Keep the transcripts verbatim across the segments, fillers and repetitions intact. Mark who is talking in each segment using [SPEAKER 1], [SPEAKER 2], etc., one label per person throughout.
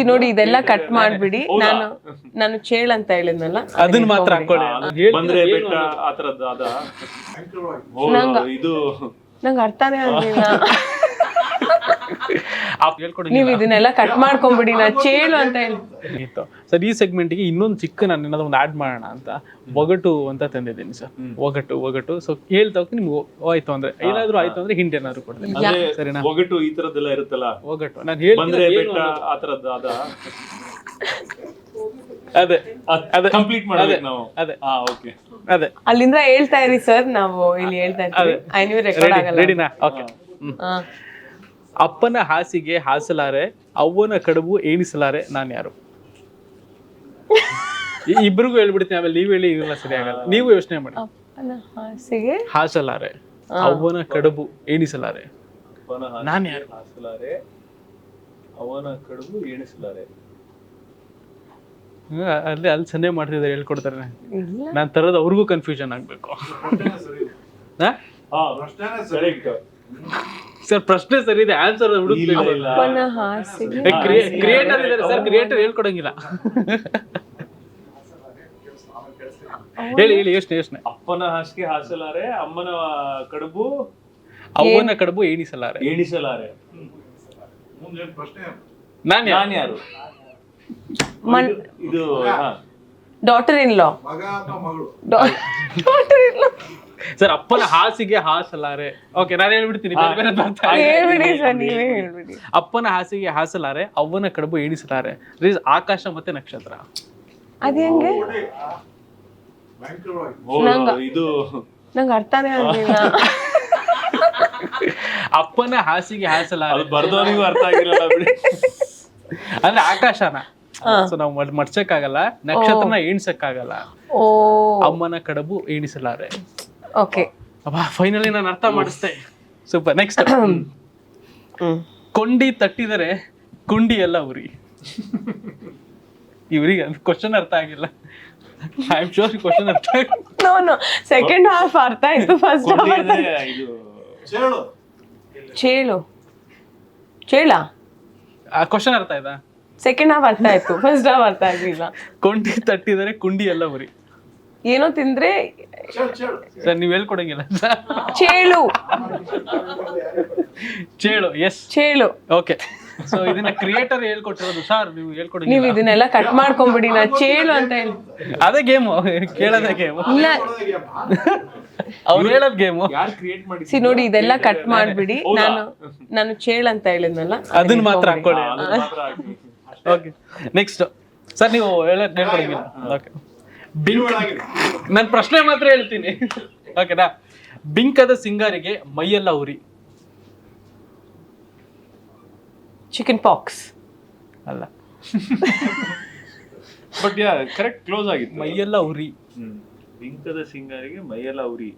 [SPEAKER 1] ನೋಡಿ ಇದೆಲ್ಲ ಕಟ್ ಮಾಡ್ಬಿಡಿ. ನಾನು ನಾನು ಚೇಳ್ ಅಂತ ಹೇಳಿದ್ನಲ್ಲ
[SPEAKER 2] ಅದನ್ನ ಮಾತ್ರ ಹಾಕೊಳ್ಳಿ.
[SPEAKER 3] ಬಂದ್ರೆ ಬೆಟ್ಟ ಆ ತರದ್ದು ಅದ ಇದು
[SPEAKER 1] ನಂಗೆ ಅರ್ಥನೇ ಆಗ್ಲಿಲ್ಲ.
[SPEAKER 2] ಹೇಳ್ಕೊಡಿ
[SPEAKER 1] ನೀವು ಇದನ್ನೆಲ್ಲ ಕಟ್ ಮಾಡ್ಕೊಂಡ್ಬಿಡಿ. ನಾ ಚೇಳು ಅಂತ ಹೇಳಿ
[SPEAKER 2] ಸರ್. ಈ ಸೆಗ್ಮೆಂಟ್ಗೆ ಇನ್ನೊಂದು ಚಿಕ್ಕ ನಾನು ಏನಾದ್ರು ಒಂದು ಆಡ್ ಮಾಡೋಣ ಅಂತ ಒಗಟು ಅಂತ ತಂದಿದ್ದೀನಿ ಸರ್. ಒಗಟು ಒಗಟು ಸೊ ಹೇಳ್ತಾ ಹೋಗಿ ನಿಮ್ಗೆ ಆಯ್ತು ಅಂದ್ರೆ ಏನಾದ್ರು ಆಯ್ತು ಅಂದ್ರೆ ಹಿಂಟ್ ಏನಾದ್ರು ಕೊಡ್ತೀನಿ ಸರಿನಾ?
[SPEAKER 3] ಒಗಟು ಈ ತರದ್ದೆಲ್ಲ ಇರುತ್ತಲ್ಲ,
[SPEAKER 2] ಒಗಟು ನಾನು ಹೇಳಿ
[SPEAKER 3] ಬಂದ್ರೆ ಬೆಟ್ಟ ಆ ತರದ್ದು ಅದ
[SPEAKER 2] ಅದೇ ಅದೇ
[SPEAKER 3] ಕಂಪ್ಲೀಟ್ ಮಾಡ್ಬೇಕು ನಾವು.
[SPEAKER 2] ಅದೇ
[SPEAKER 3] ಹಾ ಓಕೆ
[SPEAKER 2] ಅದೇ
[SPEAKER 1] ಅಲ್ಲಿಂದ ಹೇಳ್ತಾ ಇರಿ ಸರ್. ನಾವು ಇಲ್ಲಿ ಹೇಳ್ತಾ ಇರ್ತೀವಿ. ಐ ನೀವು ರೆಕಾರ್ಡ್ ಆಗಲ್ಲ.
[SPEAKER 2] ರೆಡಿನಾ? ಓಕೆ. ಅಪ್ಪನ ಹಾಸಿಗೆ ಹಾಸಲಾರೆ, ಅವ್ವನ ಕಡುಬು ಏಣಿಸಲಾರೆ, ನಾನು ಯಾರು? ಇಬ್ರಿಗೂ ಹೇಳ್ಬಿಡ್ತೀನಿ, ಆಮೇಲೆ ನೀವ್ ಹೇಳಿ ಇಲ್ಲ ಸರಿ ಆಗಲ್ಲ. ನೀವು ಯೋಚನೆ ಮಾಡಿ.
[SPEAKER 1] ಅಪ್ಪನ ಹಾಸಿಗೆ
[SPEAKER 2] ಹಾಸಲಾರೆ, ಅವ್ವನ ಕಡುಬು ಏಣಿಸಲಾರೆ, ನಾನು ಯಾರು?
[SPEAKER 3] ಹಾಸಲಾರೆ, ಅವನ ಕಡುಬು ಎಣಿಸಲಾರೆ.
[SPEAKER 2] ಅಲ್ಲಿ ಅಲ್ಲಿ ಸನ್ನೆ ಮಾಡ್ತಿದ್ದಾರೆ, ಹೇಳ್ಕೊಡ್ತಾರೆ. ನಾನ್ ತರೋದು ಅವ್ರಿಗೂ ಕನ್ಫ್ಯೂಷನ್ ಆಗ್ಬೇಕು. ಸರ್ ಪ್ರಶ್ನೆ ಸರಿ ಇದೆ, ಆನ್ಸರ್
[SPEAKER 1] ಅಪ್ಪನ ಹಾಸಿಗೆ
[SPEAKER 2] ಕ್ರಿಯೇಟರ್ ಇದ್ದಾರೆ ಸರ್. ಕ್ರಿಯೇಟರ್ ಹೇಳ್ಕೊಡಂಗಿಲ್ಲ. ಹೇಳಿ ಹೇಳಿ ಯೋಚನೆ ಯೋಚನೆ.
[SPEAKER 3] ಅಪ್ಪನ ಹಾಸಿಗೆ ಹಾಸಲಾರೆ, ಅಮ್ಮನ ಕಡುಬು
[SPEAKER 2] ಅವ್ವನ ಕಡುಬು ಏಣಿಸಲಾರೆ,
[SPEAKER 3] ಎಣಿಸಲಾರೆ.
[SPEAKER 2] ನಾನ್
[SPEAKER 3] ನಾನ್ ಯಾರು? ಇದು
[SPEAKER 1] daughter in law. Daughter in law
[SPEAKER 2] sir. ಅಪ್ಪನ ಹಾಸಿಗೆ ಹಾಸಲಾರೆ. ಓಕೆ ನಾನು ಹೇಳ್ಬಿಡ್ತೀನಿ.
[SPEAKER 1] ಹೇಳ್ಬಿಡಿ ಸರ್, ನೀವೇ ಹೇಳ್ಬಿಡಿ.
[SPEAKER 2] ಅಪ್ಪನ ಹಾಸಿಗೆ ಹಾಸಲಾರೆ, ಅವ್ವನ ಕಡುಬು ಏಣಿಸಲಾರೆ. ಆಕಾಶ ಮತ್ತೆ ನಕ್ಷತ್ರ.
[SPEAKER 1] ಅದ್ ಹೆಂಗೆ?
[SPEAKER 3] ಇದು
[SPEAKER 1] ನಂಗೆ ಅರ್ಥನೇ ಆಗ್ಲಿಲ್ಲ.
[SPEAKER 2] ಅಪ್ಪನ ಹಾಸಿಗೆ ಹಾಸಲಾರೆ
[SPEAKER 3] ಬರ್ದವನಿಗೂ ಅರ್ಥ ಆಗಿರಲ್ಲ ಬಿಡಿ.
[SPEAKER 2] ಅಂದ್ರೆ ಆಕಾಶನ ಸೊ ನಾವು ಮಡ್ಸಕ್ಕಾಗಲ್ಲ, ನಕ್ಷತ್ರನ ಎಣಿಸಕ್ಕಾಗಲ್ಲ.
[SPEAKER 1] ಓ
[SPEAKER 2] ಅಮ್ಮನ ಕಡುಬು ಎಣಿಸಲಾರೆ.
[SPEAKER 1] ಓಕೆ
[SPEAKER 2] ಫೈನಲಿ ನಾನು ಅರ್ಥ ಮಾಡಿಸ್ತೆ. ಸೂಪರ್. ನೆಕ್ಸ್ಟ್. ಕೊಂಡಿ ತಟ್ಟಿದರೆ ಕುಂಡಿ ಎಲ್ಲ ಉರಿ. ಇವ್ರಿಗೆ ಕ್ವಶನ್ ಅರ್ಥ ಆಗಿಲ್ಲ. ಐ ಆಮ್ ಶೋರ್ ಕ್ವಶನ್ ಅರ್ಥ ಆಗಿಲ್ಲ.
[SPEAKER 1] ನೋ ನೋ ಸೆಕೆಂಡ್ ಹಾಫ್ ಅರ್ಥ ಆಯ್ತು. ಫಸ್ಟ್ ಹಾಫ್
[SPEAKER 3] ಇದು
[SPEAKER 1] ಚೇಳು ಚೇಳ
[SPEAKER 2] ಆ ಕ್ವಶನ್ ಅರ್ಥ ಆಯ್ತಾ?
[SPEAKER 1] ಸೆಕೆಂಡ್ ಹಾಫ್ ಅರ್ಥ ಆಯ್ತು, ಫಸ್ಟ್ ಹಾಫ್ ಅರ್ಥ ಆಗ್ಲಿಲ್ಲ.
[SPEAKER 2] ಕೊಂಡಿ ತಟ್ಟಿದರೆ ಕುಂಡಿ ಎಲ್ಲ ಉರಿ.
[SPEAKER 1] ಏನೋ ತಿಂದ್ರೆ
[SPEAKER 2] ಸರ್ ನೀವ್ ಹೇಳ್ಕೊಡಂಗಿಲ್ಲ.
[SPEAKER 1] ಚೇಳು
[SPEAKER 2] ಚೇಳು. ಎಸ್
[SPEAKER 1] ಚೇಳು.
[SPEAKER 2] ಓಕೆ. ಸೊ ಇದನ್ನ ಕ್ರಿಯೇಟರ್ ಹೇಳ್ಕೊಟ್ಟಿರೋದು ಸರ್. ನೀವು ಹೇಳ್ಕೊಡಿ.
[SPEAKER 1] ನೀವು ಇದನ್ನೆಲ್ಲ ಕಟ್ ಮಾಡ್ಕೊಂಡ್ಬಿಡಿ. ನಾ ಚೇಳು ಅಂತ ಹೇಳಿ
[SPEAKER 2] ಅದೇ ಗೇಮು, ಕೇಳೋದೇ ಗೇಮು.
[SPEAKER 1] ಇಲ್ಲ
[SPEAKER 2] ಅವ್ರು ಹೇಳೋದ್ ಗೇಮು.
[SPEAKER 3] ಯಾರು ಕ್ರಿಯೇಟ್ ಮಾಡಿ
[SPEAKER 1] ಸಿ ನೋಡಿ ಇದೆಲ್ಲ ಕಟ್ ಮಾಡ್ಬಿಡಿ. ನಾನು ನಾನು ಚೇಳು ಅಂತ ಹೇಳಿದ್ನಲ್ಲ
[SPEAKER 2] ಅದನ್ನ ಮಾತ್ರ ಹಾಕೊಳ್ಳಿ. Okay next sir. ನೀವು ಹೇಳೋದ್ ಹೇಳ್ಕೊಡಂಗಿಲ್ಲ. ಓಕೆ. ಬಿಂಕ್. ನಾನು ಪ್ರಶ್ನೆ ಮಾತ್ರ ಹೇಳ್ತೀನಿ. ಓಕೆನಾ? ಬಿಂಕದ ಸಿಂಗಾರಿಗೆ ಮೈಯೆಲ್ಲ ಉರಿ.
[SPEAKER 1] ಚಿಕನ್ ಪಾಕ್ಸ್
[SPEAKER 2] ಅಲ್ಲ.
[SPEAKER 3] ಬಟ್ ಯಾ ಕರೆಕ್ಟ್ ಕ್ಲೋಸ್ ಆಗಿತ್ತು.
[SPEAKER 2] ಮೈಯೆಲ್ಲ ಉರಿ.
[SPEAKER 3] ಬಿಂಕದ ಸಿಂಗಾರಿಗೆ ಮೈಯೆಲ್ಲ ಉರಿ.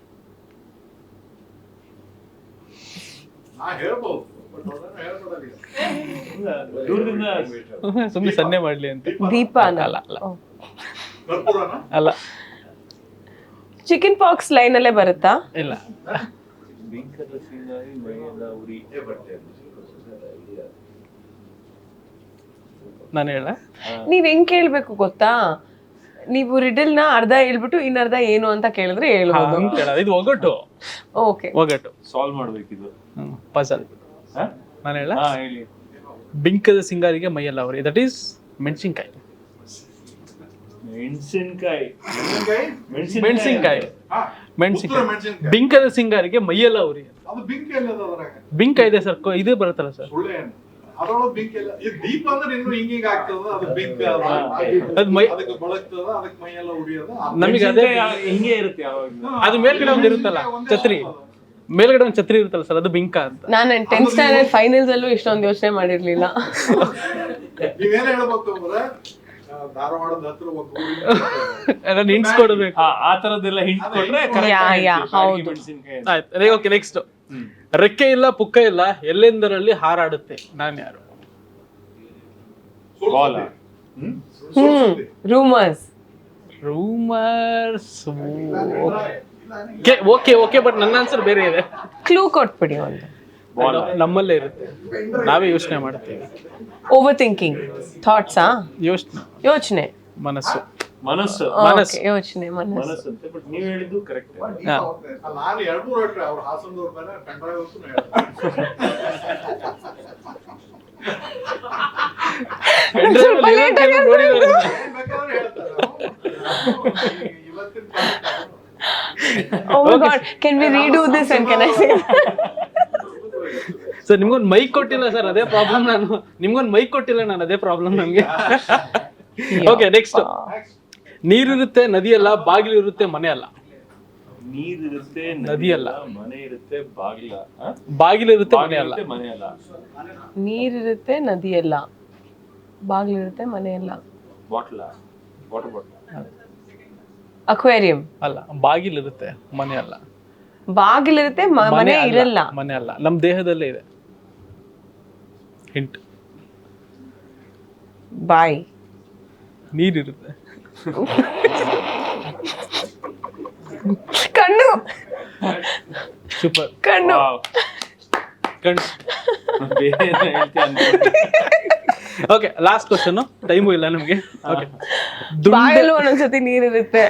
[SPEAKER 3] ದೂರದಿಂದ
[SPEAKER 2] ಸುಮ್ಮನೆ ಸನ್ನೆ ಮಾಡ್ಲಿ ಅಂತ.
[SPEAKER 1] ದೀಪ
[SPEAKER 2] ಅಲ್ಲ ಅಲ್ಲ ಅಲ್ಲ.
[SPEAKER 1] ಚಿಕನ್ ಪಾಕ್ಸ್ ಲೈನ್ ಅಲ್ಲೇ ಬರುತ್ತಾ?
[SPEAKER 2] ಇಲ್ಲ.
[SPEAKER 3] ಬಿಂಕದ ಸಿಂಗಾರಿ ಮೈಯೆಲ್ಲ ಉರಿ.
[SPEAKER 2] ನಾನು ಹೇಳ.
[SPEAKER 1] ನೀವ್ ಹೆಂಗ್ ಕೇಳ್ಬೇಕು ಗೊತ್ತಾ? ನೀವು ರಿಡಲ್ ನ ಅರ್ಧ ಹೇಳ್ಬಿಟ್ಟು ಇನ್ನರ್ಧ ಏನು ಅಂತ ಕೇಳಿದ್ರೆ ಹೇಳ್ಬೋದು.
[SPEAKER 2] ಇದು ಒಗಟು.
[SPEAKER 1] ಓಕೆ
[SPEAKER 2] ಒಗಟು
[SPEAKER 3] ಸಾಲ್ವ್ ಮಾಡ್ಬೇಕಿದು.
[SPEAKER 2] ಪಜಲ್. ನಾನು ಹೇಳ.
[SPEAKER 3] ಹಾ ಹೇಳಿ.
[SPEAKER 2] ಬಿಂಕದ ಸಿಂಗಾರಿಗೆ ಮೈಯೆಲ್ಲ ಉರಿ. ದಟ್ ಈಸ್ ಮೆಣಸಿನ್ಕಾಯಿ.
[SPEAKER 3] ಮೆಣಸಿನ್ಕಾಯಿ.
[SPEAKER 2] ಮೆಣಸಿನ್ಕಾಯಿ. ಮೆಣಸಿನ್ಕಾಯಿ. ಬಿಂಕದ ಸಿಂಗಾರಿಗೆ ಮೈಯೆಲ್ಲ ಉರಿ. ಬಿಂಕ ಇದೆ ಸರ್. ಇದು ಬರುತ್ತಲ್ಲ ಸರ್. ನಮಗೆ ಅದೇ
[SPEAKER 3] ಹಿಂಗೆ ಇರುತ್ತೆ.
[SPEAKER 2] ಅದು ಮೇಲ್ಗಡೆ ಒಂದು ಇರುತ್ತಲ್ಲ ಛತ್ರಿ. ಮೇಲ್ಗಡೆ ಒಂದು ಛತ್ರಿ ಇರುತ್ತಲ್ಲ ಸರ್, ಅದು ಬಿಂಕ ಅಂತ.
[SPEAKER 1] ನಾನು ಟೆಂತ್ ಸ್ಟ್ಯಾಂಡರ್ಡ್ ಫೈನಲ್ಸ್ ಅಲ್ಲೂ ಇಷ್ಟೊಂದು ಯೋಚನೆ ಮಾಡಿರ್ಲಿಲ್ಲ.
[SPEAKER 2] ನಾನು ಹಿಂಟ್ಸ್ ಕೊಡ್ಬೇಕು.
[SPEAKER 3] ಆ ತರದೆಲ್ಲ ಹಿಂಟ್ ಕೊಟ್ರೆ
[SPEAKER 2] ಆಯ್ತು. Okay next. ರೆಕ್ಕೆ ಇಲ್ಲ ಪುಕ್ಕ ಇಲ್ಲ ಎಲ್ಲೆಂದರಲ್ಲಿ ಹಾರಾಡುತ್ತೆ, ನಾನು ಯಾರು?
[SPEAKER 1] Hmm rumours.
[SPEAKER 2] Rumours. Okay okay but ನನ್ನ ಆನ್ಸರ್ ಬೇರೆ ಇದೆ.
[SPEAKER 1] ಕ್ಲೂ ಕೊಟ್ಬಿಡಿ ಒಂದು.
[SPEAKER 3] ಬಾಲ್
[SPEAKER 2] ನಮ್ಮಲ್ಲೇ ಇರುತ್ತೆ, ನಾವೇ ಯೋಚನೆ ಮಾಡ್ತೀವಿ.
[SPEAKER 1] ಓವರ್ ಥಿಂಕಿಂಗ್, ಥಾಟ್ಸಾ?
[SPEAKER 2] ಯೋಚನೆ,
[SPEAKER 1] ಯೋಚನೆ,
[SPEAKER 2] ಮನಸ್ಸು.
[SPEAKER 3] ಮನಸ್ಸು
[SPEAKER 2] ಮನಸ್ಸು.
[SPEAKER 1] ಯೋಚನೆ, ಮನಸ್ಸು.
[SPEAKER 3] ಮನಸ್ಸು ಅಂತೆ, ಬಟ್ ನೀವ್ ಹೇಳಿದ್ದು ಕರೆಕ್ಟ್.
[SPEAKER 2] ಹಾ.
[SPEAKER 4] ನಾನು ಎರಡು ಮೂರು ಹೊಟ್ಟೆ ಅವ್ರು ಹಾಸನದವ್ರ ಮೇಲೆ ಪೆಂಡ್ರೈವ್ ಅಂತೂ
[SPEAKER 1] ಸ್ವಲ್ಪ late ಆಗಿ
[SPEAKER 2] ನೋಡಿದ್ದಾರೆ.
[SPEAKER 4] ಬೇಕಾದ್ರೆ ಹೇಳ್ತಾರೆ ಇವತ್ತಿನ
[SPEAKER 1] Oh my God, can we redo this and can I say?
[SPEAKER 2] Sir ನಿಮ್ಗೊಂದು ಮೈಕ್ ಕೊಟ್ಟಿಲ್ಲ ಸರ್, ಅದೇ ಪ್ರಾಬ್ಲಮ್. ನಾನು ನಿಮ್ಗೊಂದು ಮೈಕ್ ಕೊಟ್ಟಿಲ್ಲ ನಾನು, ಅದೇ ಪ್ರಾಬ್ಲಮ್ ನಮ್ಗೆ. Okay, next. ನೀರಿರುತ್ತೆ ನದಿ ಅಲ್ಲ, ಬಾಗಿಲು ಇರುತ್ತೆ ಮನೆ ಅಲ್ಲ.
[SPEAKER 3] ನೀರಿರುತ್ತೆ
[SPEAKER 2] ನದಿ ಅಲ್ಲ,
[SPEAKER 3] ಮನೆ ಇರುತ್ತೆ ಬಾಗಿಲ,
[SPEAKER 2] ಬಾಗಿಲು ಇರುತ್ತೆ ಮನೆ ಅಲ್ಲ.
[SPEAKER 3] ಮನೆ ಅಲ್ಲ.
[SPEAKER 1] ನೀರಿರುತ್ತೆ ನದಿ ಎಲ್ಲ, ಬಾಗ್ಲಿರುತ್ತೆ ಮನೆ ಎಲ್ಲ.
[SPEAKER 3] Bottle, water bottle.
[SPEAKER 1] ಅಕ್ವೇರಿಯಂ.
[SPEAKER 2] ಅಲ್ಲ, ಬಾಗಿಲು ಇರುತ್ತೆ ಮನೆ ಅಲ್ಲ.
[SPEAKER 1] ಬಾಗಿಲಿರುತ್ತೆ ಮ- ಮನೆ
[SPEAKER 2] ಅಲ್ಲ,
[SPEAKER 1] ಇರಲ್ಲ.
[SPEAKER 2] ಮನೆ ಅಲ್ಲ, ನಮ್ ದೇಹದಲ್ಲೇ ಇದೆ. ಹಿಂಟ್.
[SPEAKER 1] ಬಾಯಿ.
[SPEAKER 2] ನೀರಿರುತ್ತೆ.
[SPEAKER 1] ಕಣ್ಣು.
[SPEAKER 2] ಸೂಪರ್.
[SPEAKER 1] ಕಣ್ಣು.
[SPEAKER 3] ವಾವ್.
[SPEAKER 2] ಕಣ್.
[SPEAKER 3] ಬೇರೆ ಏನೋ ಹೇಳ್ತೀಯ ಅನ್ಕೊಂಡೆ.
[SPEAKER 2] ಓಕೆ, ಲಾಸ್ಟ್ ಕ್ವಶನ್, ಟೈಮು ಇಲ್ಲ ನಮ್ಗೆ. ಓಕೆ,
[SPEAKER 1] ಬಾಯಲ್ಲೂ ಒಂದೊಂದ್ಸತಿ ನೀರಿರುತ್ತೆ.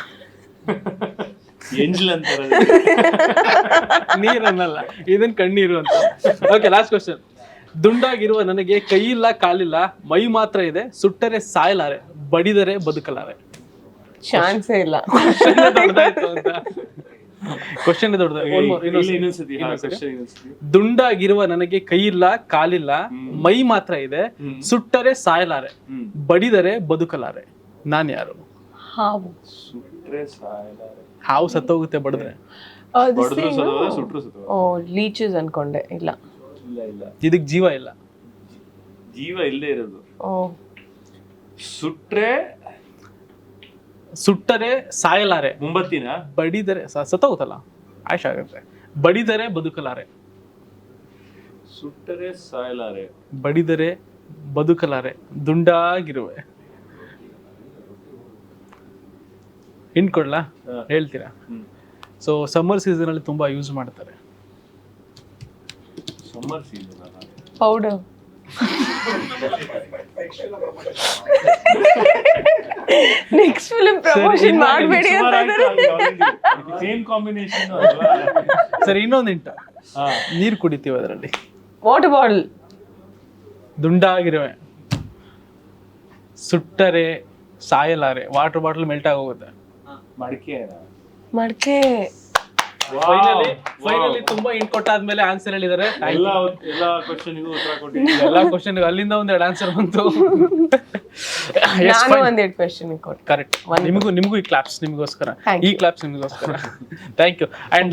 [SPEAKER 3] ಎಂಜಲ್ ಅಂತಾರೆ.
[SPEAKER 2] ನೀರನ್ನಲ್ಲ, ಇದನ್ ಕಣ್ಣೀರು ಅಂತ. Okay, last question. ದುಂಡಾಗಿರುವ ನನಗೆ ಕೈ ಇಲ್ಲ ಕಾಲಿಲ್ಲ, ಮೈ ಮಾತ್ರ ಇದೆ, ಸುಟ್ಟರೆ ಸಾಯಲಾರೆ, ಬಡಿದರೆ ಬದುಕಲಾರೆ.
[SPEAKER 1] ಚಾನ್ಸೇ ಇಲ್ಲ.
[SPEAKER 2] ಕ್ವಶನ್ ದೊಡ್ಡದು.
[SPEAKER 3] ಇಲ್ಲಿ ಇನ್ನೊಂದ್ಸತಿ, ಹಾ, question ಇನ್ನೊಂದ್ಸತಿ.
[SPEAKER 2] ದುಂಡಾಗಿರುವ ನನಗೆ ಕೈ ಇಲ್ಲ ಕಾಲಿಲ್ಲ, ಮೈ ಮಾತ್ರ ಇದೆ, ಸುಟ್ಟರೆ ಸಾಯಲಾರೆ,
[SPEAKER 3] ಹ್ಮ್.
[SPEAKER 2] ಬಡಿದರೆ ಬದುಕಲಾರೆ. ನಾನ್ ಯಾರು?
[SPEAKER 1] ಹಾವು.
[SPEAKER 3] ಸುಟ್ರೆ ಸಾಯಲಾರೆ.
[SPEAKER 2] ಹಾವು ಸತ್ತೋಗುತ್ತೆ ಬಡಿದ್ರೆ.
[SPEAKER 3] ಬಡಿದ್ರು ಸತ್ತೋದ, ಸುಟ್ರು ಸತ್ತೋದ.
[SPEAKER 1] ಓ, ಲೀಚಸ್ ಅನ್ಕೊಂಡೆ. ಇಲ್ಲ.
[SPEAKER 3] ಇಲ್ಲ ಇಲ್ಲ,
[SPEAKER 2] ಇದಕ್ ಜೀವ ಇಲ್ಲ.
[SPEAKER 3] ಜೀವ ಇಲ್ಲದೆ ಇರೋದು.
[SPEAKER 1] ಓ,
[SPEAKER 3] ಸುಟ್ರೆ
[SPEAKER 2] ಸುಟ್ಟರೆ ಸಾಯಲಾರೆ,
[SPEAKER 3] ಮುಂಬತ್ತಿನ
[SPEAKER 2] ಬಡಿದರೆ ಸ- ಸತ್ತೋಗುತ್ತಲ್ಲ, ಆಯ್ಷ ಆಗುತ್ತೆ. ಬಡಿದರೆ ಬದುಕಲಾರೆ,
[SPEAKER 3] ಸುಟ್ಟರೆ ಸಾಯಲಾರೆ.
[SPEAKER 2] ಬಡಿದರೆ ಬದುಕಲಾರೆ, ದುಂಡಾಗಿರುವೆ. ಹಿಂಟ್ ಕೊಡ್ಲಾ?
[SPEAKER 3] ಹಾ.
[SPEAKER 2] ಹೇಳ್ತೀರಾ?
[SPEAKER 3] ಹ್ಮ್.
[SPEAKER 2] ಸೊ ಸಮ್ಮರ್ ಸೀಸನ್ ಅಲ್ಲಿ ತುಂಬಾ ಯೂಸ್ ಮಾಡ್ತಾರೆ.
[SPEAKER 3] Summer season
[SPEAKER 1] powder. Next film promotion ಮಾಡಬೇಡಿ ಅಂತ ಇದ್ದಾರೆ.
[SPEAKER 3] Same combination.
[SPEAKER 2] ಸರಿ, ಇನ್ನೊಂದು ಹಿಂಟ್. ನೀರ್ ಕುಡಿತೀವಿ ಅದರಲ್ಲಿ.
[SPEAKER 1] Water bottle.
[SPEAKER 2] ದುಂಡಾಗಿರುವೆ, ಸುಟ್ಟರೆ ಸಾಯಲಾರೆ, ವಾಟರ್ ಬಾಟಲ್ ಮೆಲ್ಟ್ ಆಗೋಗುತ್ತೆ.
[SPEAKER 3] ಮಡಿಕೆ.
[SPEAKER 1] ಮಡಕೆ.
[SPEAKER 2] ಫೈನಲಿ ಫೈನಲಿ ತುಂಬಾ ಹಿಂಟ್ ಕೊಟ್ಟಾದ್ಮೇಲೆ ಆನ್ಸರ್ ಹೇಳಿದ್ದಾರೆ.
[SPEAKER 3] ಎಲ್ಲ ಎಲ್ಲ ಕ್ವಶನ್ಗೂ ಉತ್ತರ ಕೊಟ್ಟಿದ್ದೀನಿ.
[SPEAKER 2] ಎಲ್ಲಾ ಕ್ವಶನ್ ಅಲ್ಲಿಂದ ಒಂದೆರಡು ಆನ್ಸರ್ ಬಂತು.
[SPEAKER 1] ನಾನು ಒಂದೆರಡು ಕ್ವೆಶ್ಚನ್ ಕೊಟ್ಟೆ.
[SPEAKER 2] ಕರೆಕ್ಟ್. ನಿಮಗೂ ನಿಮಗೂ ಈ ಕ್ಲಾಪ್ಸ್ ನಿಮಗೋಸ್ಕರ,
[SPEAKER 1] Thank
[SPEAKER 2] ಈ ಕ್ಲಾಪ್ಸ್ ನಿಮಗೋಸ್ಕರ. Thank you. ಅಂಡ್